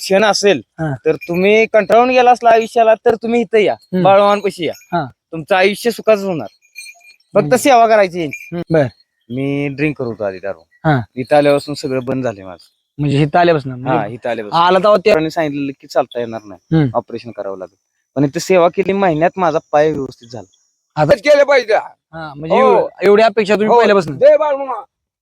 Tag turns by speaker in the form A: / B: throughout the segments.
A: क्षण असेल
B: हा.
A: तर तुम्ही कंटाळून गेला असला आयुष्याला तर तुम्ही इथं या, बाळवानपाशी या.
B: हा.
A: तुमचं आयुष्य सुखाचं होणार. फक्त
B: म्हणजे-
A: सेवा करायची.
B: बर.
A: मी ड्रिंक करत होतो आधी
B: हा.
A: दारू. इथं आल्यापासून सगळं बंद झाले माझं.
B: म्हणजे इथं आल्यापासून
A: हा, इथं आल्यापासून
B: आला तेव्हा त्या
A: डॉक्टरांनी सांगितलं की चालता येणार नाही,
B: हम्म.
A: ऑपरेशन करावं लागेल. पण इथं सेवा केली, महिन्यात माझा पाय व्यवस्थित झाला.
B: आता
C: केलं पाहिजे.
B: हा, म्हणजे
C: हो.
B: एवढी अपेक्षा तुम्ही
C: हो,
B: पहिल्यापासून.
C: जय बाळमामा.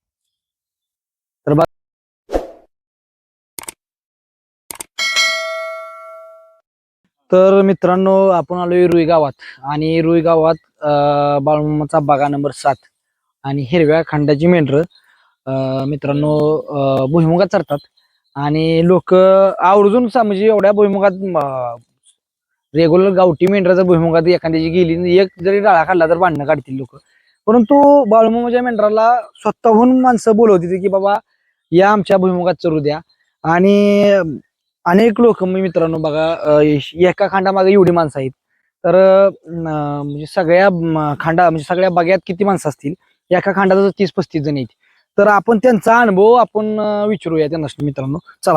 B: तर मित्रांनो, आपण आलोय रुई गावात आणि रुई गावात बाळूमामाचा बागा नंबर 7 आणि हिरव्या खंडाची मेंढर मित्रांनो भुईमुगात चरतात आणि लोक आवर्जून म्हणजे एवढ्या भुईमुगात रेग्युलर गावठी मेंढराचा भुईमुगात एखाद्याची गेली एक जरी डाळा खाल्ला तर भांडणं काढतील लोक. परंतु बाळूमामाच्या मेंढराला स्वतःहून माणसं बोलवती की बाबा या आमच्या भुईमुगात चरू द्या. आणि अनेक लोक मित्रांनो बघा एका खांडामागे एवढी माणसं आहेत. तर म्हणजे सगळ्या खांडा म्हणजे सगळ्या बाग्यात किती माणसं असतील, एका खांडात 30-35 जण आहेत. तर आपण त्यांचा अनुभव आपण विचारूया त्यांना मित्रांनो. चला.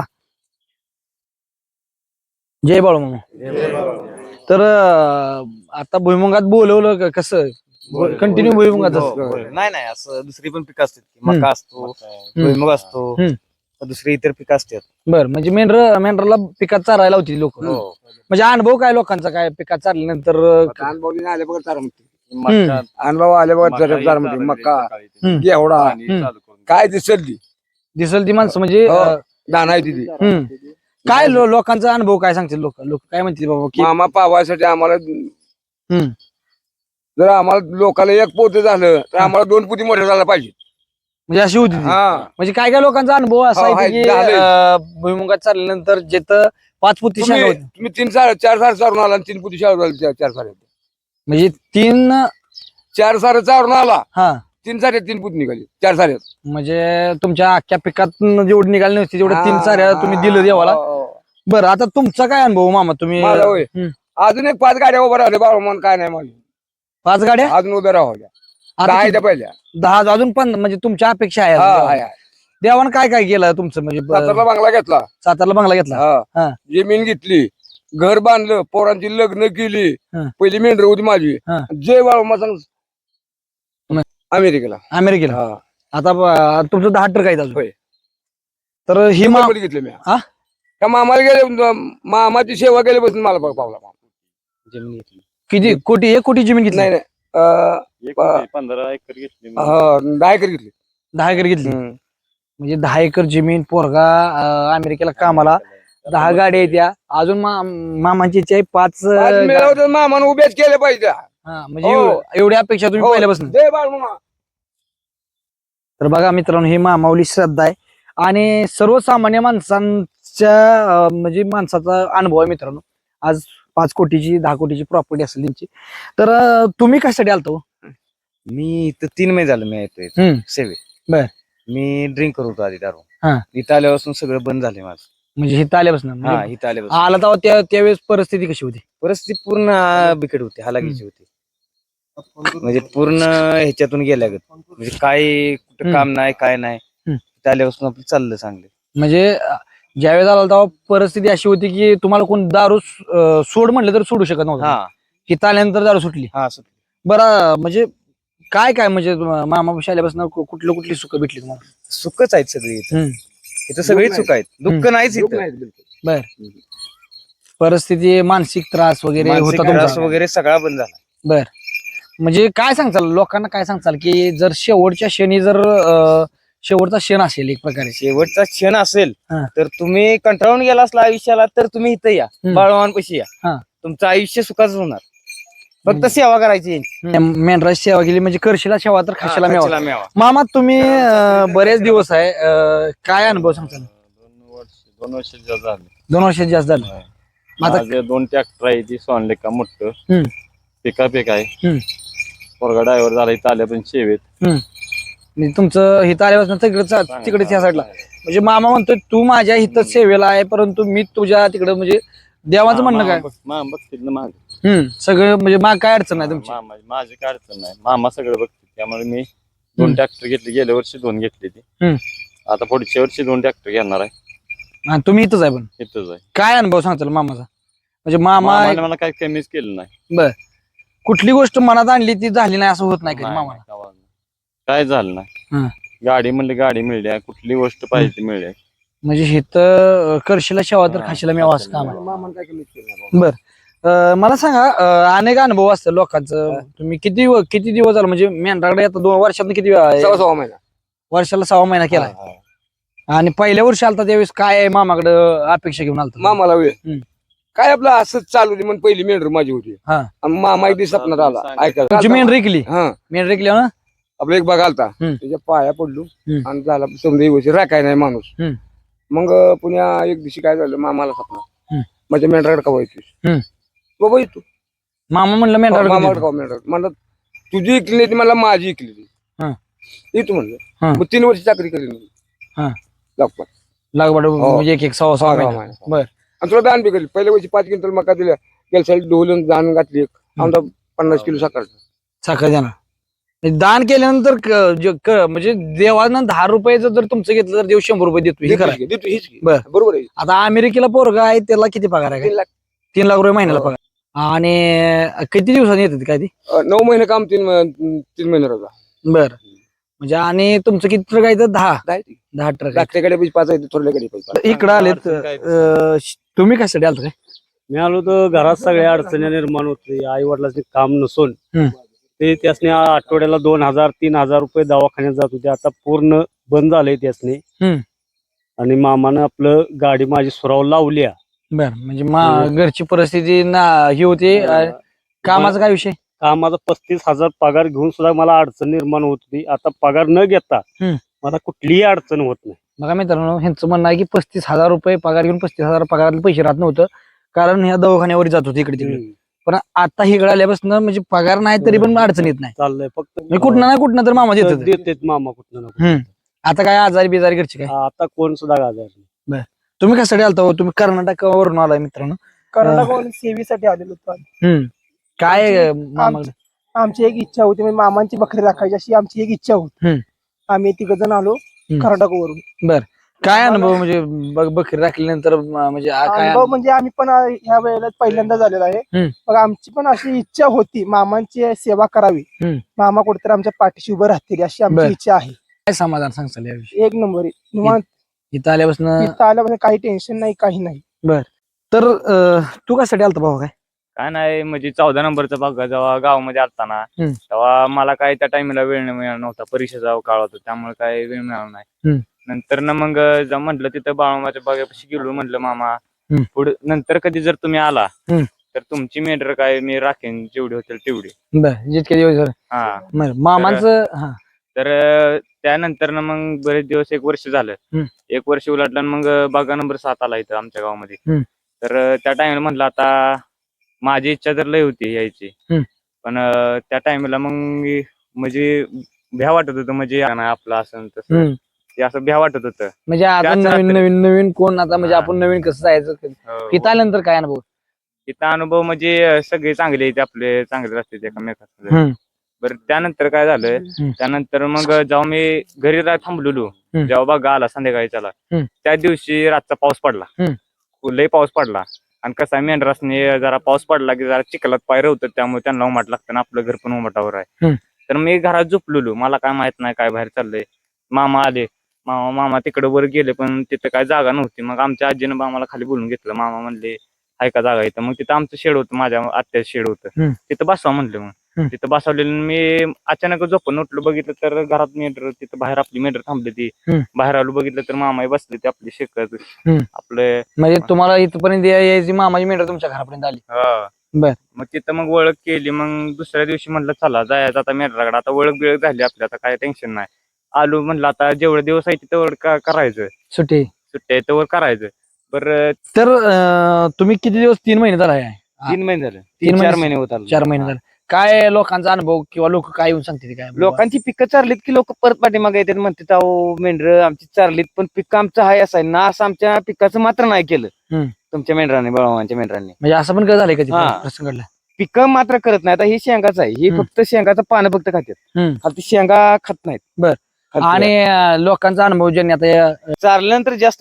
B: जय बाळूमामा. तर आता भुईमुगात बोलवलं कसं कंटिन्यू भुईमुगात
A: नाही नाही, असं दुसरी पण पिकं असतात. मका असतो, भुईमुग असतो, दुसरी इतर पिकं असतात.
B: बर. म्हणजे मेंढराला पिकात चारायला होती लोक. म्हणजे अनुभव काय लोकांचा, काय पिकात चारल्यानंतर
C: अनुभव आले बघा चारमध्ये. अनुभव आले बघा चारमध्ये. मका, घेवडा, काय
B: दिसल ती माणसं म्हणजे
C: दाना आहे तिथे.
B: काय लोकांचा अनुभव काय सांगतील, लोक काय म्हणतील बाबा की
C: मामा पावासाठी आम्हाला
B: हम्म.
C: जर आम्हाला लोकांना एक पोते झालं तर आम्हाला 2 पोती मोठे झाला पाहिजे.
B: म्हणजे अशी होती ती.
C: हा.
B: म्हणजे काय काय लोकांचा अनुभव असा
C: हो,
B: आहे
C: आहे,
B: की
C: झालंय.
B: भुईमुगात चालल्यानंतर जिथं 5 पुती शाळा होती,
C: तुम्ही 4 सार चारून आला आणि 3 पोती शाळा झाली. 4 सारे
B: म्हणजे 3
C: 4 सारे चारून आला,
B: हा
C: 3 सारे 3 पोती निघाली. 4 सारे
B: म्हणजे तुमच्या अख्ख्या पिकात जेवढी निघाली नव्हती जेवढ्या 3 साऱ्या तुम्ही दिलं देवाला. बरं, आता तुमचा काय अनुभव मामा तुम्ही
C: माझा होय. अजून एक 5 गाड्या उभ्या राहिल्या बाळूमान, काय नाही माझी
B: 5 गाड्या
C: अजून उभ्या राहल्या.
B: आता
C: 10 आहेत पहिल्या.
B: 10 अजून पण म्हणजे तुमच्या अपेक्षा आहे
C: हा,
B: अजून
C: आहे,
B: देवाला.
C: आहे.
B: देवानं काय काय केलं तुमचं म्हणजे
C: सातारला बंगला घेतला.
B: सातारला बंगला घेतला.
C: हा.
B: हा.
C: जमीन घेतली, घर बांधलं, पोरांची लग्न केली.
B: हा.
C: पहिली मेंढर होती माझी.
B: हा.
C: जय बाळूमा सांग अमेरिकेला.
B: अमेरिकेला.
C: हा.
B: आता तुमचं 10 ट्रक आहेत अजून.
C: होय.
B: तर ही
C: मुंबईमध्ये घेतलं मी.
B: हा?
C: त्या मामाला गेले, मामाची सेवा केल्यापासून मला पावला.
A: जमीन घेतली.
B: किती कोटी 1 कोटी जमीन घेतली?
C: नाही नाही,
A: 15 एकर घेतली.
C: 10 एकर घेतली.
B: 10 एकर घेतली. म्हणजे 10 एकर जमीन, पोरगा अमेरिकेला कामाला, 10 गाड्या आहेत त्या. अजून मामाची इच्छा आहे 5
C: मिळवत मामानं उभ्याच केले पाहिजे.
B: म्हणजे
C: हो.
B: एवढी अपेक्षा तुम्ही
C: हो.
B: पहिल्यापासून.
C: जय बाळूमा.
B: तर बघा मित्रांनो, ही मामावली श्रद्धा आहे आणि सर्वसामान्य माणसांच्या म्हणजे माणसाचा अनुभव आहे मित्रांनो. आज 5 कोटीची 10 कोटीची प्रॉपर्टी असेल त्यांची. तर तुम्ही कशासाठी आलतो?
A: मी इथं 3 महिने झालं मी येतोय सेवेत.
B: बर.
A: मी ड्रिंक करत होतो आधी दारू.
B: हा.
A: इथं आल्यापासून सगळं बंद झाले माझं.
B: म्हणजे इथं आल्यापासून
A: हा,
B: म्हणजे
A: इथं आल्यापासून
B: आला तेव्हा त्यावेळेस परिस्थिती कशी होती?
A: परिस्थिती पूर्ण बिकट होती, हालाकीची होती. म्हणजे पूर्ण ह्याच्यातून गेल्यागत. म्हणजे काय कुठं काम नाही, काय नाही. इथं आल्यापासून आपलं चाललं चांगलं.
B: म्हणजे ज्यावेळेस आला तेव्हा परिस्थिती अशी होती की तुम्हाला कोण दारू सोड म्हणलं तर सोडू शकत नव्हतं.
A: हा.
B: इथं आल्यानंतर दारू सुटली.
A: हा.
B: बरं, म्हणजे काय म्हणजे मामापाशी आल्यापासून कुठली सुख भेटली तुम्हाला?
A: सुखच आहेत सगळी इथं. इथं सगळी सुख आहेत, दुःख नाहीच इथं.
B: बर. परिस्थिती मानसिक त्रास वगैरे
A: मानसिक
B: होता
A: त्रास
B: तुमचा?
A: वगैरे सगळा बंद झाला.
B: बर. म्हणजे काय सांगचाल लोकांना, काय सांगचाल की जर शेवटच्या क्षणी जर शेवटचा क्षण असेल एक प्रकारे,
A: शेवटचा क्षण असेल
B: हा.
A: तर तुम्ही कंटाळून गेला असला आयुष्याला तर तुम्ही इथं या, बाळवानपाशी
B: हा.
A: या. तुमचं आयुष्य सुखाचं होणार. फक्त सेवा करायची.
B: मेंढराची सेवा केली म्हणजे करशीला सेवा तर खाशीला मेवा.
A: मेवा.
B: मामा तुम्ही बरेच दिवस आहे, काय अनुभव सांगताल?
D: 2 वर्ष जास्त झाले.
B: 2 वर्षात जास्त झालं. आता
D: माझे 2 ट्रॅक्टर आहे, ती सोनलेका मोठं पिक आहे. पोरगा ड्रायव्हर झाला इथं आल्या पण सेवेत.
B: म्हणजे तुमचं हिथं आल्यापासून तिकडे त्या साईडला. म्हणजे मामा म्हणतोय तू माझ्या हिथं सेवेला आहे परंतु मी तुझ्या तिकडे, म्हणजे देवाचं म्हणणं काय?
D: बघतील ना माग
B: सगळं, म्हणजे माग काय अडचण नाही तुमची?
D: माझी काय अडचण नाही, मामा सगळं बघतील. त्यामुळे मी 2 ट्रॅक्टर घेतले. गेल्या वर्षी 2 घेतले ती. आता पुढच्या वर्षी 2 ट्रॅक्टर घेणार आहे.
B: आणि तुम्ही इथंच आहे पण
D: इथंच आहे.
B: काय अनुभव सांगताल मामाचा म्हणजे मामा
D: मामाने मला काही कमीच केलं नाही.
B: बर कुठली गोष्ट मनात आणली ती झाली नाही असं होत नाही कधी
D: नाही,
B: मामाला
D: गावाला नाही. काय झालं
B: हा.
D: नाही. गाडी म्हणली गाडी मिळली, कुठली गोष्ट पाहिजे ती मिळली.
B: म्हणजे हिथं करशीला शेवा तर
D: हा,
B: खाशीला मेवा असं काम आहे
C: मामानं काय कमीच केलं नाही.
B: बर मला सांगा अनेक अनुभव असतात लोकांचं तुम्ही किती दिवस झालं म्हणजे मेंढराकडे आता 2 वर्षात किती
C: सव्वा महिना
B: वर्षाला 6 महिना केला
C: हा, हा.
B: आणि पहिल्या वर्षी आलता त्यावेळेस काय मामाकडे अपेक्षा घेऊन आलता
C: मामाला वेळ
B: हम्म.
C: काय आपलं असंच चालू होती म्हणून पहिली मेंढर माझी होती
B: हा.
C: आणि मामा एक दिवस सपनात आला
B: तुमची
C: ऐका
B: मेंढ रेकली
C: हा
B: मेंढ रेकली ना
C: आपलं एक बघ आलता
B: हम्म.
C: त्याच्या पाया पडलो
B: हम्म.
C: आणि झाला समजा दिवशी राखाय नाही माणूस
B: हम्म.
C: मग पुण्या एक दिवशी काय झालं मामाला सपना
B: हम्म.
C: माझ्या मेंढराकडे का
B: हम्म.
C: व्हायची बाबा येतो
B: मामा म्हणलं
C: मामाकडे
B: मेंढराकडे
C: का मेंढर म्हणलं तुझी इकली नाही ती मला माझी इकली
B: हा.
C: येतो
B: हा.
C: म्हणलं मग 3 वर्ष चाकरी केली
B: हा.
C: लागतात
B: लागवड
C: हो.
B: म्हणजे एक सव्वा 6 महिना
C: महिना.
B: बर
C: आणि तुला दान बी केली पहिल्या वर्षी 5 क्विंटल मका दिल्या गेल्या साली ढोलून दान घातली आमचा 50 किलो साखर
B: साखर देणार म्हणजे दान केल्यानंतर म्हणजे देवानं 10 रुपयाचं जर तुमचं घेतलं तर देव 100 रुपये देतो हे खरं आहे.
C: देतो हीच की.
B: बर.
C: बरोबर आहे
B: आता अमेरिकेला पोरगा आहे त्याला किती पगार आहे
C: 3 लाख
B: 3 लाख रुपये महिन्याला
C: हो.
B: पगार आणि किती दिवसांनी येतात काय ती
C: 9 महिने काम 3 महिने राहता
B: बर म्हणजे आणि तुमचं किती ट्रक आहे तर 10 ट्रक
C: धाकट्याकडे पैसे 5 आहेत थोरल्याकडे पैसे
B: इकडे आलेत तुम्ही कशासाठी आलत काय
E: मी आलो तर घरात सगळ्या अडचणी निर्माण होते आई वडिलांचे काम नसून
B: हम्म.
E: ते त्यासने आठवड्याला 2,000-3,000 रुपये दवाखान्यात जात होते आता पूर्ण बंद झालंय त्यासने
B: हम्म.
E: आणि मामानं आपलं गाडी माझी सुराव लावल्या
B: बर म्हणजे घरची परिस्थिती ना ही होती कामाचा काय विषय
E: कामाचा 35,000 पगार घेऊन सुद्धा मला अडचण निर्माण होत होती आता पगार न घेता मला कुठलीही अडचण होत नाही.
B: बघा मित्रांनो ह्यांचं म्हणणं आहे की 35,000 रुपये पगार घेऊन 35,000 पगारातले पैसे राहत नव्हतं कारण ह्या दवाखान्यावर जात होते इकडे तिकडे पण आता इकडे आल्यापासून म्हणजे पगार नाही तरी पण अडचण येत नाही
E: चाललंय फक्त
B: म्हणजे कुठं ना कुठं तर मामा देतात
E: देतेत मामा कुठं ना कुठं.
B: आता काय आजारी बिजारी घरचे काय
E: आता कोण सुद्धा गाजर नाही.
B: तुम्ही कशासाठी आलता हो? तुम्ही कर्नाटकावरून आलाय मित्रांनो
F: कर्नाटक सेवेसाठी आलेलो होतो
B: काय मामाकडे
F: आमची एक इच्छा होती म्हणजे मामांची बकरी राखायची अशी आमची एक इच्छा होती आम्ही 3 जण आलो कर्नाटकवरून
B: काय अनुभव म्हणजे बकरी राखल्यानंतर म्हणजे काय
F: अनुभव म्हणजे आम्ही पण ह्या वेळेला पहिल्यांदा झालेला आहे मग आमची पण अशी इच्छा होती मामांची सेवा करावी मामा कुठेतरी आमच्या पाठीशी उभं राहतील अशी आमची इच्छा आहे.
B: काय समाधान सांगताल याविषयी
F: एक नंबर निवांत
B: इथं आल्यापासून
F: इथं आल्यापासून काही टेन्शन नाही काही नाही.
B: तर तू कशासाठी आलता भाऊ काय
A: काय नाही म्हणजे 14 नंबरचा भाग जेव्हा गावामध्ये असताना तेव्हा मला काय त्या टाइमला वेळ मिळाला नव्हता परीक्षेचा काळ होता त्यामुळे काय वेळ मिळाला नाही. नंतर ना मग म्हटलं तिथं बाळमाच्या बागेपाशी गेलो म्हटलं मामा पुढे नंतर कधी जर तुम्ही आला तर तुमची मेंढर काय मी राखेन जेवढी होतील तेवढी
B: जितके दिवस
A: हा
B: मामाचं
A: तर त्यानंतर ना मग बरेच दिवस 1 वर्ष झालं 1 वर्ष उलटलं मग बागा नंबर 7 आला इथं आमच्या गावामध्ये. तर त्या टाइमला म्हटलं आता माझी इच्छा तर लय होती यायची पण त्या टाइमला मग म्हणजे भ्या वाटत होतं म्हणजे आपलं असं तसं ते असं भ्या वाटत होतं
B: म्हणजे आता नवीन नवीन नवीन कोण आता म्हणजे आपण नवीन कसं जायचं इथं आल्यानंतर काय अनुभव
A: इथं अनुभव म्हणजे सगळे चांगले आहेत आपले चांगले असते एकमेकांना. बरं त्यानंतर काय झालं त्यानंतर मग जेव्हा मी घरी थांबलेलो जेव्हा बघा आला संध्याकाळी त्याला त्या दिवशी रातचा पाऊस पडला लय पाऊस पडला आणि कसा मेंढरासने जरा पाऊस पडला की जरा चिखलात पायऱ्या होतं त्यामुळे त्यांना उमाट लागतं ना आपलं घर पण उमाटावर आहे. तर मी घरात झोपलेलो मला काय माहित नाही काय बाहेर चाललंय. मामा आले मामा तिकडे वर गेले पण तिथं काय जागा नव्हती मग आमच्या आजीनं मामाला खाली बोलून घेतलं. मामा म्हणले हाय का जागा इथं मग तिथं आमचं शेड होतं माझ्या आत्याचं शेड होतं तिथं बसवा म्हणलं मग तिथं बसवलेलं मी अचानक झोपून उठलो बघितलं तर घरात मेंढर तिथं बाहेर आपली मेंढर थांबली ती बाहेर आलो बघितलं तर मामाही बसले ते आपली शेकत आपलं
B: म्हणजे तुम्हाला इथपर्यंत यायची मामाची मेंढर तुमच्या घरापर्यंत आली. बर
A: मग तिथं मग ओळख केली मग दुसऱ्या दिवशी म्हटलं चला जायचं आता मेंढराकडे आता ओळख बिळख झाली आपली आता काय टेन्शन नाही. आलो म्हणलं आता जेवढे दिवस आहे तेवढं करायचं सुट्ट्या तेवढं करायचं. बरं
B: तर तुम्ही किती दिवस 3 महिने झाला
A: 3 महिने झाले
B: 3-4
A: महिने होत आले
B: 4 महिने झाले काय लोकांचा अनुभव किंवा लोक काय येऊन सांगते काय
A: लोकांची पिकं चारलीत की लोक परत पाठीमागे येतात म्हणतात अहो मेंढर आमची चारलीत पण पिकं आमचं हाय असं आहे ना असं आमच्या पिकाचं मात्र नाही केलं तुमच्या मेंढरांनी बळवांच्या मेंढरांनी.
B: म्हणजे असं पण काय झालंय कधी
A: हा.
B: प्रसंग घडला
A: पिकं मात्र करत नाही आता ही शेंगाच आहे ही फक्त शेंगाचं पानं फक्त खातात ती शेंगा खात नाहीत.
B: आणि लोकांचा अनुभव ज्यांनी आता
A: चारल्यानंतर जास्त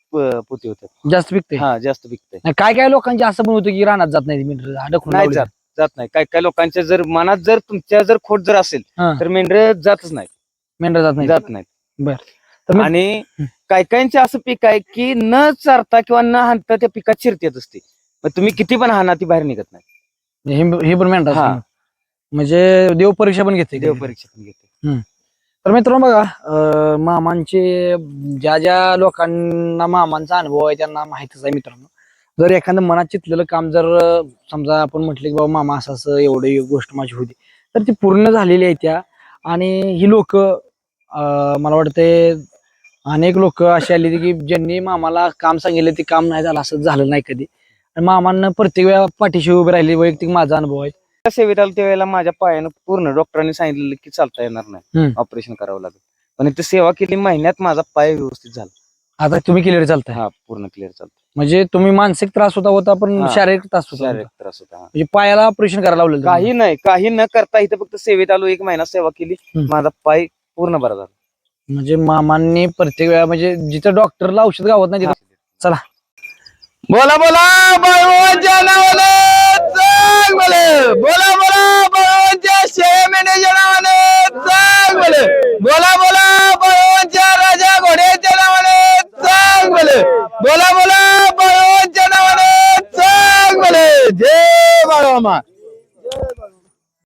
E: पोती होत्या.
B: जास्त पिकते.
E: हा जास्त पिकते.
B: काय काय लोकांचे असं पण होतं की रानात जात नाही मेंढर अडकून
E: नाही
B: लावलेलं.
E: जात नाही. काय लोकांच्या जर मनात जर तुमच्या जर खोट जर असेल
B: हा.
E: तर मेंढर जातच नाही.
B: मेंढर जात नाही.
E: जात नाहीत.
B: तर मग-
E: आणि काही असं पीक आहे की न चारता किंवा न हाणता त्या पिकात शिरतीत असते. मग तुम्ही किती पण हाना ती बाहेर निघत नाही.
B: हे पण मेंढर
E: हा.
B: असतं. म्हणजे देव परीक्षा पण घेते.
E: देव परीक्षा पण घेते.
B: तर मित्रांनो बघा मामांचे ज्या लोकांना मामांचा अनुभव आहे त्यांना माहितच आहे मित्रांनो. जर एखादं मनात चितलेलं काम जर समजा आपण म्हटलं की बाबा मामा असं एवढी गोष्ट माझी होती तर ती पूर्ण झालेली आहे त्या. आणि ही लोक मला वाटते अनेक लोक अशी आली की ज्यांनी मामाला काम सांगितलं ते काम नाही झालं असं झालं नाही कधी. आणि मामांना प्रत्येक वेळा पाठीशी उभे राहिले. वैयक्तिक माझा अनुभव आहे.
E: सेवेत आलो त्यावेळेला माझ्या पायानं पूर्ण डॉक्टरांनी सांगितलेलं की चालता येणार नाही, ऑपरेशन करावं लागेल. पण इथे सेवा केली महिन्यात माझा पाय व्यवस्थित झाला.
B: आता तुम्ही क्लिअर चालताय.
E: हा पूर्ण क्लिअर चालतो.
B: म्हणजे तुम्ही मानसिक त्रास होता पण
E: हा.
B: शारीरिक त्रास होता.
E: शारीरिक त्रास होता.
B: म्हणजे पायाला ऑपरेशन करायला लावलेलं तुम्हाला.
E: काही न करता इथे फक्त सेवेत आलो, 1 महिना सेवा केली, माझा पाय पूर्ण बरा झाला.
B: म्हणजे मामांनी प्रत्येक वेळा म्हणजे जिथं डॉक्टरला औषध गावत नाही तिथं. चला
C: बोला बोला बाळूमामांच्या नावानं